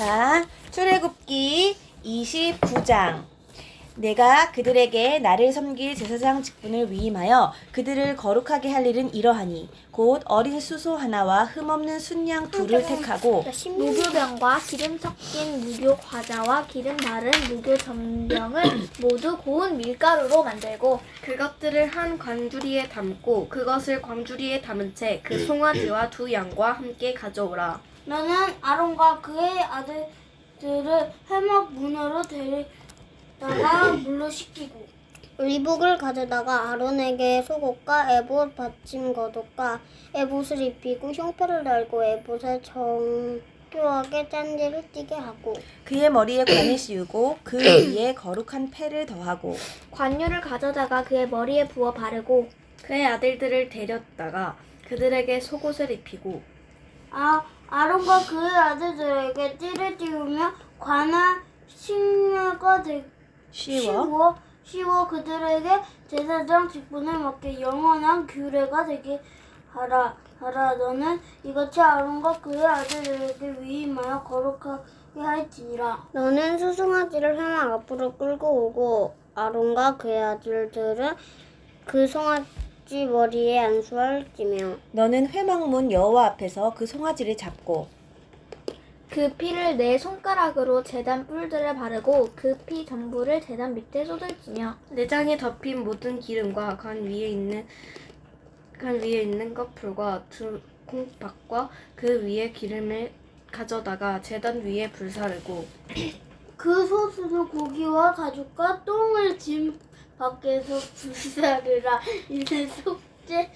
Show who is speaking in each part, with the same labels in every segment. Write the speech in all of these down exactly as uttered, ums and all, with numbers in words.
Speaker 1: 자, 출애굽기 이십구 장. 내가 그들에게 나를 섬길 제사장 직분을 위임하여 그들을 거룩하게 할 일은 이러하니 곧 어린 수소 하나와 흠없는 순양 둘을 택하고
Speaker 2: 무교병과 기름 섞인 무교 과자와 기름 바른 무교 전병을 모두 고운 밀가루로 만들고
Speaker 3: 그것들을 한 광주리에 담고 그것을 광주리에 담은 채 그 송아지와 두 양과 함께 가져오라.
Speaker 4: 너는 아론과 그의 아들들을 해막 문으로 데리다가 물로 씻기고
Speaker 5: 의복을 가져다가 아론에게 속옷과 에봇 받침 겉옷과 에봇을 입히고 흉표를 달고 에봇에 정교하게 짠지를 띠게 하고
Speaker 1: 그의 머리에 관을 씌우고 그 위에 거룩한 패를 더하고
Speaker 2: 관유를 가져다가 그의 머리에 부어 바르고
Speaker 3: 그의 아들들을 데렸다가 그들에게 속옷을 입히고
Speaker 4: 아, 아론과 그의 아들들에게 띠를 띄우며 관할 식례가 되,
Speaker 1: 쉬워
Speaker 4: 씌워 씌워 그들에게 제사장 직분을 맡게 영원한 규례가 되게 하라. 하라. 너는 이같이 아론과 그의 아들들에게 위임하여 거룩하게 할지니라.
Speaker 5: 너는 수송아지를 회막 앞으로 끌고 오고 아론과 그의 아들들은 그 송아지 머리에 안수할지며
Speaker 1: 너는 회막문 여호와 앞에서 그 송아지를 잡고
Speaker 2: 그 피를 네 손가락으로 제단 뿔들에 바르고 그 피 전부를 제단 밑에 쏟을지며
Speaker 3: 내장에 덮인 모든 기름과 간 위에 있는 간 위에 있는 거풀과 두 콩팥과 그 위에 기름을 가져다가 제단 위에 불사르고
Speaker 4: 그 소스는 고기와 가죽과 똥을 짐 밖에서 불사르라. 이는 속죄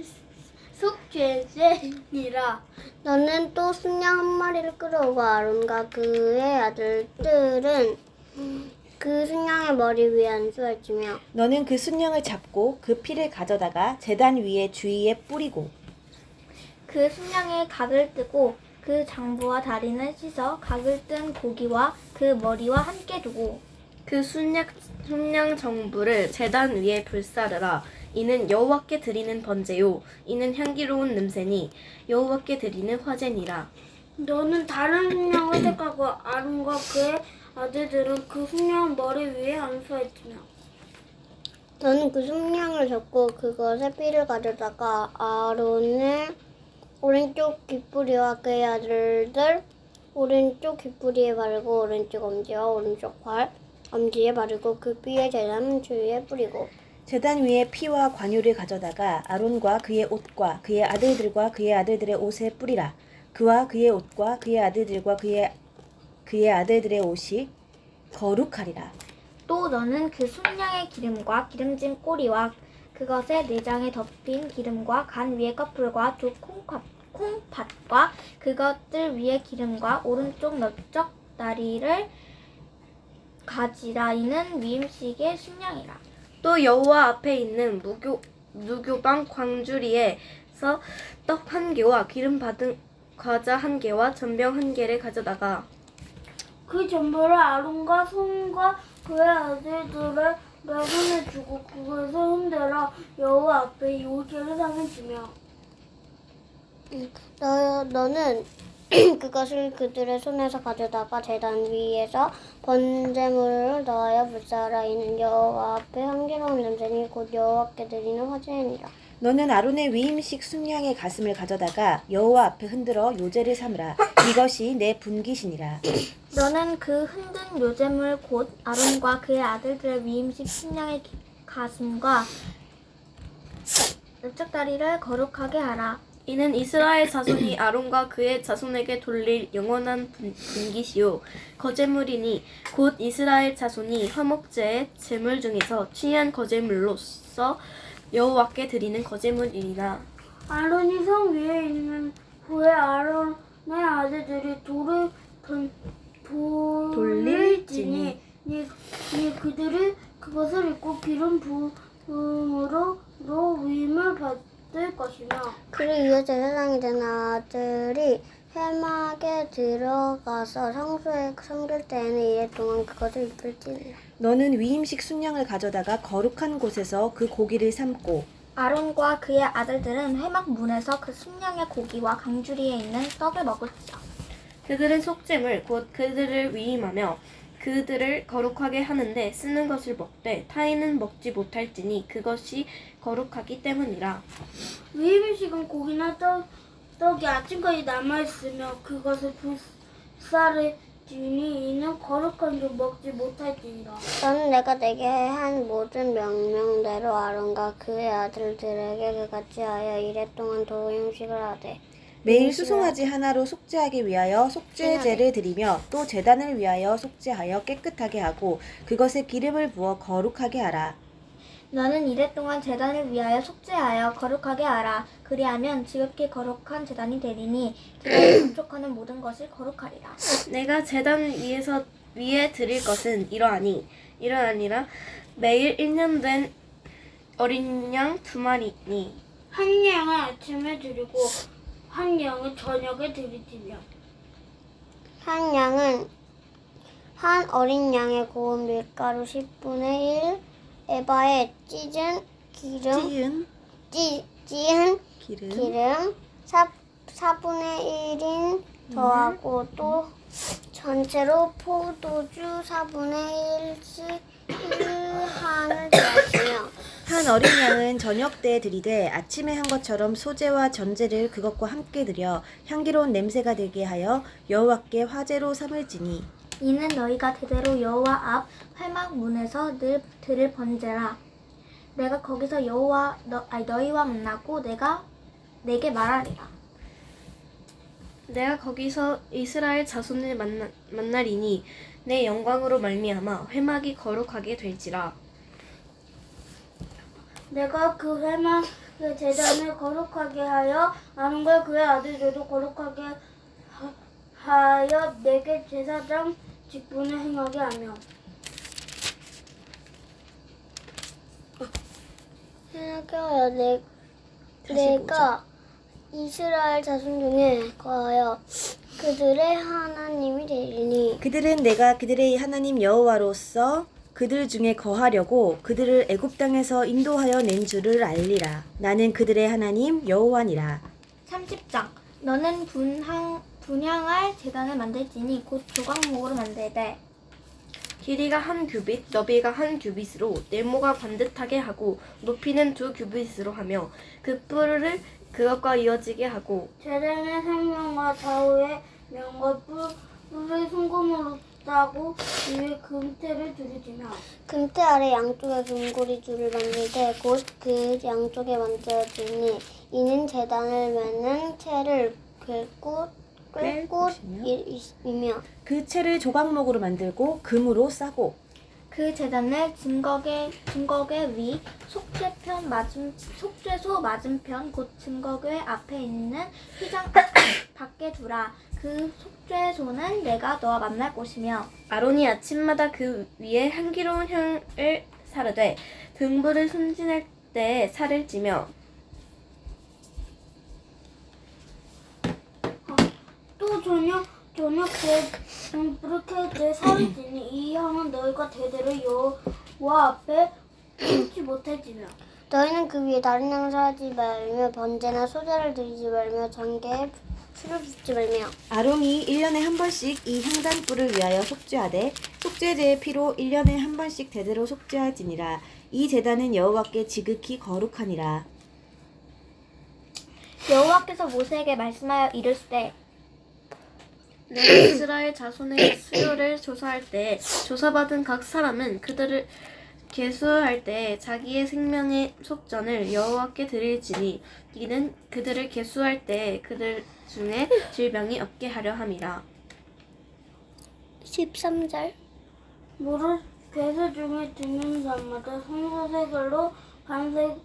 Speaker 4: 속죄제니라.
Speaker 5: 너는 또 순양 한 마리를 끌어오고 아론과 그의 아들들은 그 순양의 머리 위에 안수할지며
Speaker 1: 너는 그 순양을 잡고 그 피를 가져다가 제단 위에 주위에 뿌리고
Speaker 2: 그 순양의 각을 뜨고 그 장부와 다리는 씻어 각을 뜬 고기와 그 머리와 함께 두고
Speaker 3: 그 순양 순양 정부를 제단 위에 불사르라. 이는 여호와께 드리는 번제요 이는 향기로운 냄새니 여호와께 드리는 화제니라.
Speaker 4: 너는 다른 순양을 택하고 아론과 그의 아들들은 그 순양 머리 위에 안수할지며
Speaker 5: 너는 그 순양을 잡고 그것의 피를 가져다가 아론의 오른쪽 귓부리와 그의 아들들 오른쪽 귓부리에 바르고 오른쪽 엄지와 오른쪽 팔 엄지에 바르고 그 피에 제단 주위에 뿌리고
Speaker 1: 제단 위에 피와 관유를 가져다가 아론과 그의 옷과 그의 아들들과 그의 아들들의 옷에 뿌리라. 그와 그의 옷과 그의 아들들과 그의 그의 아들들의 옷이 거룩하리라.
Speaker 2: 또 너는 그 순양의 기름과 기름진 꼬리와 그것의 내장에 덮인 기름과 간 위의 커플과 두 콩팥, 콩팥과 그것들 위의 기름과 오른쪽 넓적 다리를 가지라. 이는 위임식의 순양이라.
Speaker 3: 또 여호와 앞에 있는 무교 무교방 광주리에서 떡 한 개와 기름 받은 과자 한 개와 전병 한 개를 가져다가
Speaker 4: 그 전부를 아론과 손과 그의 아들들의 손에 주고 그것을 흔들어 여호와 앞에 요제를 삼으시며
Speaker 5: 너, 너는 그것을 그들의 손에서 가져다가 제단 위에서 번제물을 넣어야 불사라. 이는 여호와 앞에 향기로운 냄새니 곧 여호와께 드리는 화제니라.
Speaker 1: 너는 아론의 위임식 순양의 가슴을 가져다가 여호와 앞에 흔들어 요제를 삼으라. 이것이 내 분깃이니라.
Speaker 2: 너는 그 흔든 요제물 곧 아론과 그의 아들들의 위임식 순양의 기- 가슴과 넓적 다리를 거룩하게 하라.
Speaker 3: 이는 이스라엘 자손이 아론과 그의 자손에게 돌릴 영원한 분- 분깃이요 거제물이니 곧 이스라엘 자손이 화목제의 제물 중에서 취한 거제물로서 여호와께 드리는 거제물이니라.
Speaker 4: 아론이 성 위에 있는 후에 아론의 아들들이 돌을 던, 돌릴지니 니, 니 그들이 그것을 입고 기름 부음으로 로 위임을 받을 것이며
Speaker 5: 그를 위해 제사장이 된 아들이 회막에 들어가서 성소에 섬길 때에는 이래 동안 그것을 입을지니라.
Speaker 1: 너는 위임식 순양을 가져다가 거룩한 곳에서 그 고기를 삶고
Speaker 2: 아론과 그의 아들들은 회막 문에서 그 순양의 고기와 강주리에 있는 떡을 먹을지라.
Speaker 3: 그들은 속죄물 곧 그들을 위임하며 그들을 거룩하게 하는데 쓰는 것을 먹되 타인은 먹지 못할지니 그것이 거룩하기 때문이라.
Speaker 4: 위임식은 고기나 떡, 떡이 아침까지 남아있으며 그것을 불사르지니 이는 거룩한 줄 먹지 못할지니라.
Speaker 5: 너는 내가 내게 한 모든 명령대로 아론과 그의 아들들에게 그같이 하여 이래 동안 도임식을 하되
Speaker 1: 매일 수송아지 하나로 속죄하기 위하여 속죄제를 드리며 또 제단을 위하여 속죄하여 깨끗하게 하고 그것에 기름을 부어 거룩하게 하라.
Speaker 2: 너는 이래 동안 제단을 위하여 속죄하여 거룩하게 하라. 그리하면 지극히 거룩한 제단이 되리니 제단에 접촉하는 모든 것이 거룩하리라.
Speaker 3: 내가 제단 위에서 위에 드릴 것은 이러하니 이러하니라. 매일 일 년 된 어린 양 두 마리니
Speaker 4: 한 양은 아침에 드리고 한 양은 저녁에 드리지며
Speaker 5: 한 양은 한 어린 양의 고운 밀가루 십분의 일 에바에 찢은 기름
Speaker 1: 찌은
Speaker 5: 찌, 찌은
Speaker 1: 기름,
Speaker 5: 기름 사, 사분의 일인 더하고 또 전체로 포도주 사분의 일씩 일한을 더하시며
Speaker 1: 한 어린 양은 저녁 때 드리되 아침에 한 것처럼 소제와 전제를 그것과 함께 드려 향기로운 냄새가 되게 하여 여호와께 화제로 삼을지니
Speaker 2: 이는 너희가 대대로 여호와 앞 회막 문에서 늘 들을 번제라. 내가 거기서 여호와 너, 아니, 너희와 만나고 내가 내게 말하리라.
Speaker 3: 내가 거기서 이스라엘 자손을 만나, 만나리니 내 영광으로 말미암아 회막이 거룩하게 될지라.
Speaker 4: 내가 그 회막의 제단을 거룩하게 하여 아론과 그의 아들들도 거룩하게 하- 하여 내게 제사장 직분을 행하게 하며
Speaker 5: 생각하여 내, 내가 이스라엘 자손 중에 거하여 그들의 하나님이 되리니
Speaker 1: 그들은 내가 그들의 하나님 여호와로서 그들 중에 거하려고 그들을 애굽 땅에서 인도하여 낸 줄을 알리라. 나는 그들의 하나님 여호와니라.
Speaker 2: 삼십 장 너는 분향, 분향할 제단을 만들지니 곧 조각목으로 만들되
Speaker 3: 길이가 한 규빗, 너비가 한 규빗으로 네모가 반듯하게 하고 높이는 두 규빗으로 하며 그 뿔을 그것과 이어지게 하고
Speaker 4: 제단의 생명과 좌우의 명과 뿔- 뿔을 송금으로 따고 위에 금태를 두르지며
Speaker 5: 금태 아래 양쪽에 금고리 줄을 만들되 곧 그 양쪽에 만들어지니 이는 제단을 매는 채를 꿰고 꿰고 이며
Speaker 1: 그 채를 조각목으로 만들고 금으로 싸고
Speaker 2: 그 제단을 증거계 증거계 위 속죄편 맞은 속죄소 맞은편 곧 증거궤 앞에 있는 휘장 밖에 두라. 그 속죄소는 내가 너와 만날 곳이며
Speaker 3: 아론이 아침마다 그 위에 향기로운 향을 사르되 등불을 손질할 때 살을 찌며
Speaker 4: 또 저녁 저녁 때 등불을 켤때 살을 지니 이 향은 너희가 대대로 여호와 앞에 끊지 못할지며
Speaker 5: 너희는 그 위에 다른 양을 하지 말며 번제나 소제를 드리지 말며 전개에 술을 붓지 말며
Speaker 1: 아론이 일 년에 한 번씩 이 향단불을 위하여 속죄하되 속죄제의 피로 일 년에 한 번씩 대대로 속죄할지니라. 이 제단은 여호와께 지극히 거룩하니라.
Speaker 2: 여호와께서 모세에게 말씀하여 이르시되
Speaker 3: 내가 이스라엘 자손의 수요를 조사할 때 조사받은 각 사람은 그들을 계수할 때 자기의 생명의 속전을 여호와께 드릴지니 이는 그들을 계수할 때 그들 중에 질병이 없게 하려 함이라.
Speaker 5: 십삼 절
Speaker 4: 물을 괴수 중에 듣는 자마다 성소세겔로 반세겔을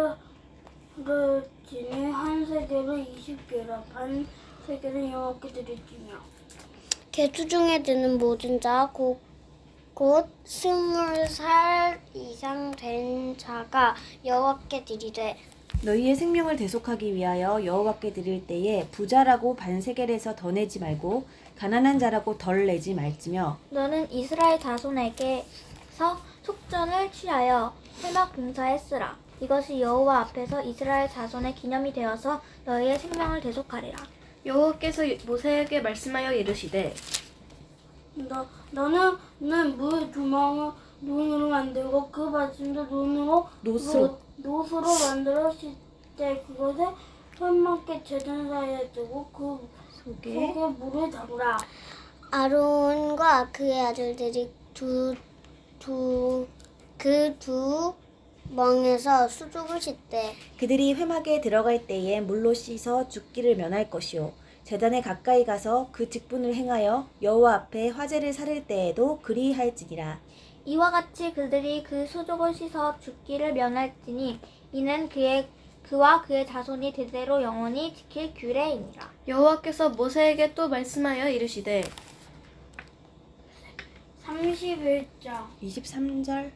Speaker 4: 지니 한 세겔로 이십 개라 반 세겔은 여호와께 드릴지며
Speaker 5: 개수 중에 드는 모든 자 곧 곧 스물 살 이상 된 자가 여호와께 드리되
Speaker 1: 너희의 생명을 대속하기 위하여 여호와께 드릴 때에 부자라고 반세겔에서 더 내지 말고 가난한 자라고 덜 내지 말지며
Speaker 2: 너는 이스라엘 자손에게서 속전을 취하여 회막 봉사에 쓰라. 이것이 여호와 앞에서 이스라엘 자손의 기념이 되어서 너희의 생명을 대속하리라.
Speaker 3: 여호와께서 모세에게 말씀하여 이르시되
Speaker 4: 너 너는 는 물 두멍을 논으로 만들고 그 받침도 논으로
Speaker 1: 노스로.
Speaker 4: 노- 노스로 만들었을 때 그것을 손목에 재단 사이에 두고 그
Speaker 1: 속에
Speaker 4: 속에 물을 담으라.
Speaker 5: 아론과 그의 아들들이 두 두 그 두 멍에서 수족을 씻되
Speaker 1: 그들이 회막에 들어갈 때에 물로 씻어 죽기를 면할 것이요 제단에 가까이 가서 그 직분을 행하여 여호와 앞에 화제를 사를 때에도 그리할지니라.
Speaker 2: 이와 같이 그들이 그 수족을 씻어 죽기를 면할지니 이는 그의 그와 그의 자손이 대대로 영원히 지킬 규례이니라.
Speaker 3: 여호와께서 모세에게 또 말씀하여 이르시되
Speaker 4: 삼십일 장.
Speaker 1: 이십삼 절.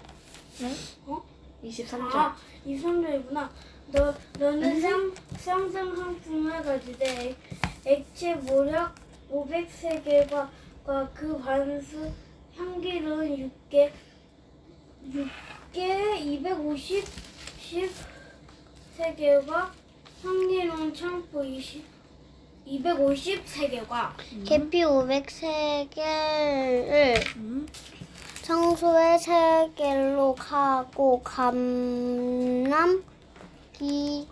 Speaker 3: 이십삼 절
Speaker 4: 아, 이십삼 절이구나. 너, 너는 쌍, 쌍쌍 상품을 가지되 액체 모략 오백세 개와 그 반수 향기로운 육 개, 육 개 이백오십 세 개와 향기로운 창포 이십, 이백오십세 개와
Speaker 5: 계피 오백세 개를
Speaker 1: 음.
Speaker 5: 청소에 세 개로 하고 감람 기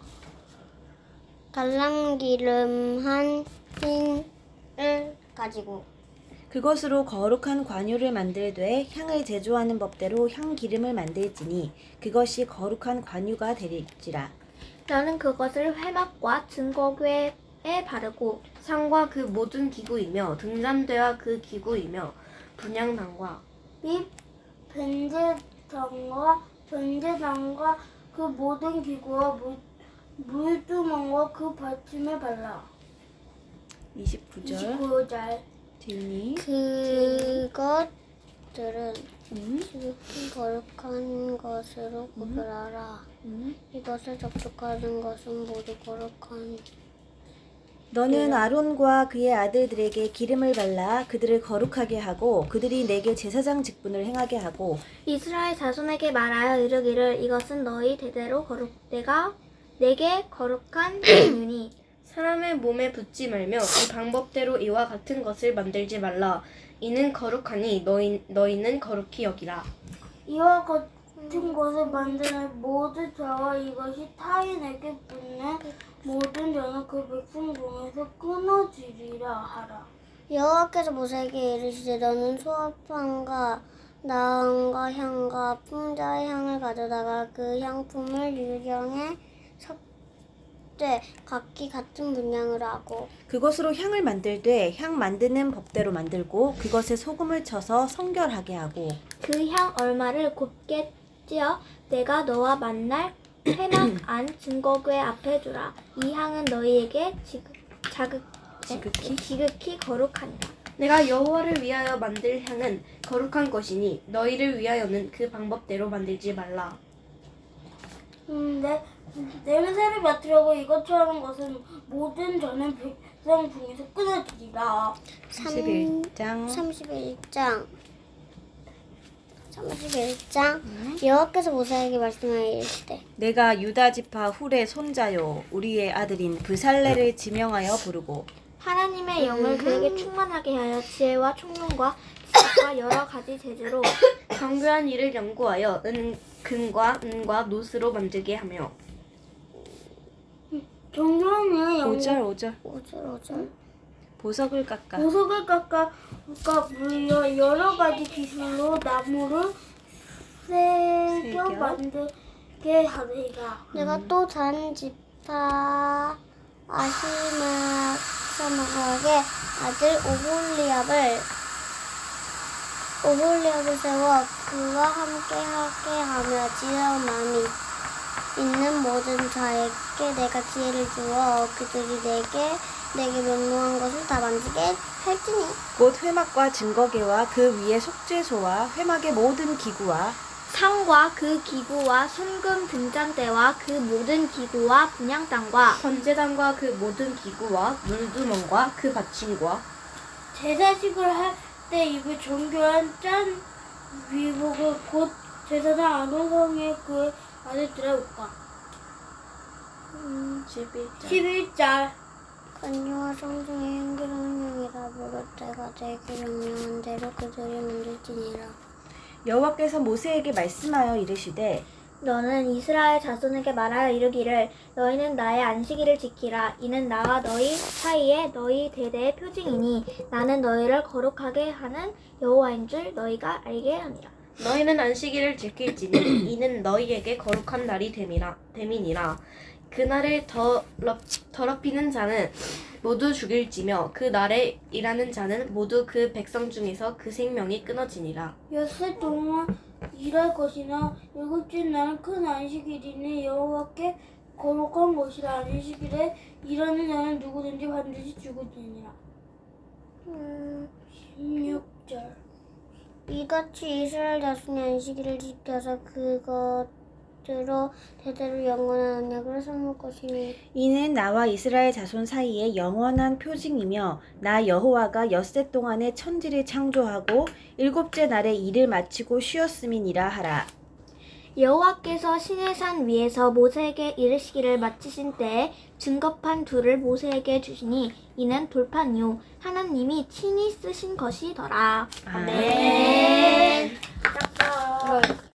Speaker 5: 갈람기름 한 흰을 가지고
Speaker 1: 그것으로 거룩한 관유를 만들되 향을 제조하는 법대로 향 기름을 만들지니 그것이 거룩한 관유가 되릴지라.
Speaker 2: 너는 그것을 회막과 증거궤에 바르고
Speaker 3: 상과 그 모든 기구이며 등잔대와 그 기구이며 분향단과
Speaker 4: 및 변제당과 변제당과 그 모든 기구와 물, 물두멍과 그 받침을 발라.
Speaker 1: 이십구 절.
Speaker 4: 이십구 절.
Speaker 1: 지은이.
Speaker 5: 그것들은
Speaker 1: 음.
Speaker 5: 지극히 거룩한 것으로 구별하라.
Speaker 1: 음.
Speaker 5: 이것을 접촉하는 것은 모두 거룩한
Speaker 1: 너는 아론과 그의 아들들에게 기름을 발라 그들을 거룩하게 하고 그들이 내게 제사장 직분을 행하게 하고
Speaker 2: 이스라엘 자손에게 말하여 이르기를 이것은 너희 대대로 거룩 내가 내게 거룩한 기준이니
Speaker 3: 사람의 몸에 붙지 말며 이 방법대로 이와 같은 것을 만들지 말라. 이는 거룩하니 너희, 너희는 거룩히 여기라.
Speaker 4: 이와 같은 것을 만드는 모든 자와 이것이 타인에게 붙는 모든 자는 그 백성 중에서 끊어지리라 하라.
Speaker 5: 여호와께서 모세에게 이르시되 너는 소합향과 나은과 향과 풍자의 향을 가져다가 그 향품을 유령에 섭되 각기 같은 분량을 하고
Speaker 1: 그것으로 향을 만들되 향 만드는 법대로 만들고 그것에 소금을 쳐서 성결하게 하고
Speaker 2: 그 향 얼마를 곱게 찌어 내가 너와 만날 회막 안 증거궤 앞에 두라. 이 향은 너희에게 지극, 자극,
Speaker 1: 지극히?
Speaker 2: 지극히 거룩하니라.
Speaker 3: 내가 여호와를 위하여 만들 향은 거룩한 것이니 너희를 위하여는 그 방법대로 만들지 말라.
Speaker 4: 음, 내, 냄새를 맡으려고 이것처럼 것은 모든 자는 백성 중에서 끊어지리라.
Speaker 1: 삼십일 장.
Speaker 5: 삼십일 장 삼십일 장 여호와께서 모세에게 말씀하여 이르시되
Speaker 1: 내가 유다 지파 훌의 손자요 우리의 아들인 브살레를 지명하여 부르고
Speaker 2: 하나님의 영을 그에게 충만하게 하여 지혜와 총명과 지식과 여러 가지 재주로
Speaker 3: 정교한 일을 연구하여 은, 금과 은과 노스로 만들게 하며
Speaker 4: 정교하는
Speaker 1: 오 절 오 절
Speaker 5: 오절 오절
Speaker 1: 보석을 깎아
Speaker 4: 보석을 깎아 깎아 물려 여러 가지 기술로 나무를 새겨
Speaker 1: 새겨.
Speaker 4: 만들게 하리라.
Speaker 5: 내가 또 다른 지파 아시마사마의 아들 오홀리압을 오홀리압을 세워 그와 함께 하게 하며 지혜로운 마음이 있는 모든 자에게 내가 지혜를 주어 그들이 내게 내게 명령한 것을 다 만지게 할지니
Speaker 1: 곧 회막과 증거궤와 그 위에 속죄소와 회막의 모든 기구와
Speaker 2: 상과 그 기구와 순금 등잔대와 그 모든 기구와 분향단과
Speaker 3: 번제단과 그 모든 기구와 물두멍과 그 받침과
Speaker 4: 제사식을 할 때 입을 정교한 짠 위복을 곧 제사장 아론성의 그 아들들의 옷과.
Speaker 3: 십일 장
Speaker 4: 십일 절.
Speaker 5: 은유와 성중의 향기로운 향이라 부를 때가 되기 명령한 대로 그들이 만들지니라.
Speaker 1: 여호와께서 모세에게 말씀하여 이르시되
Speaker 2: 너는 이스라엘 자손에게 말하여 이르기를 너희는 나의 안식일을 지키라. 이는 나와 너희 사이에 너희 대대의 표징이니 나는 너희를 거룩하게 하는 여호와인 줄 너희가 알게 함이라.
Speaker 3: 너희는 안식일을 지킬지니 이는 너희에게 거룩한 날이 됨이라 됨이니라. 그날을 더럽, 더럽히는 자는 모두 죽일지며 그 날에 일하는 자는 모두 그 백성 중에서 그 생명이 끊어지니라.
Speaker 4: 엿새 동안 일할 것이나 일곱째 날은 큰 안식일이니 여호와께 거룩한 것이라. 안식일에 일하는 자는 누구든지 반드시 죽을지니라.
Speaker 5: 음,
Speaker 4: 십육 절.
Speaker 5: 이같이 이스라엘 자손이 안식일을 지켜서 그것으로 대대로 영원한 언약을 삼을 것이니
Speaker 1: 이는 나와 이스라엘 자손 사이에 영원한 표징이며 나 여호와가 엿새 동안에 천지를 창조하고 일곱째 날에 일을 마치고 쉬었음이니라 하라.
Speaker 2: 여호와께서 시내산 위에서 모세에게 이르시기를 마치신 때에 증거판 둘을 모세에게 주시니 이는 돌판이요 하나님이 친히 쓰신 것이더라.
Speaker 1: 아멘.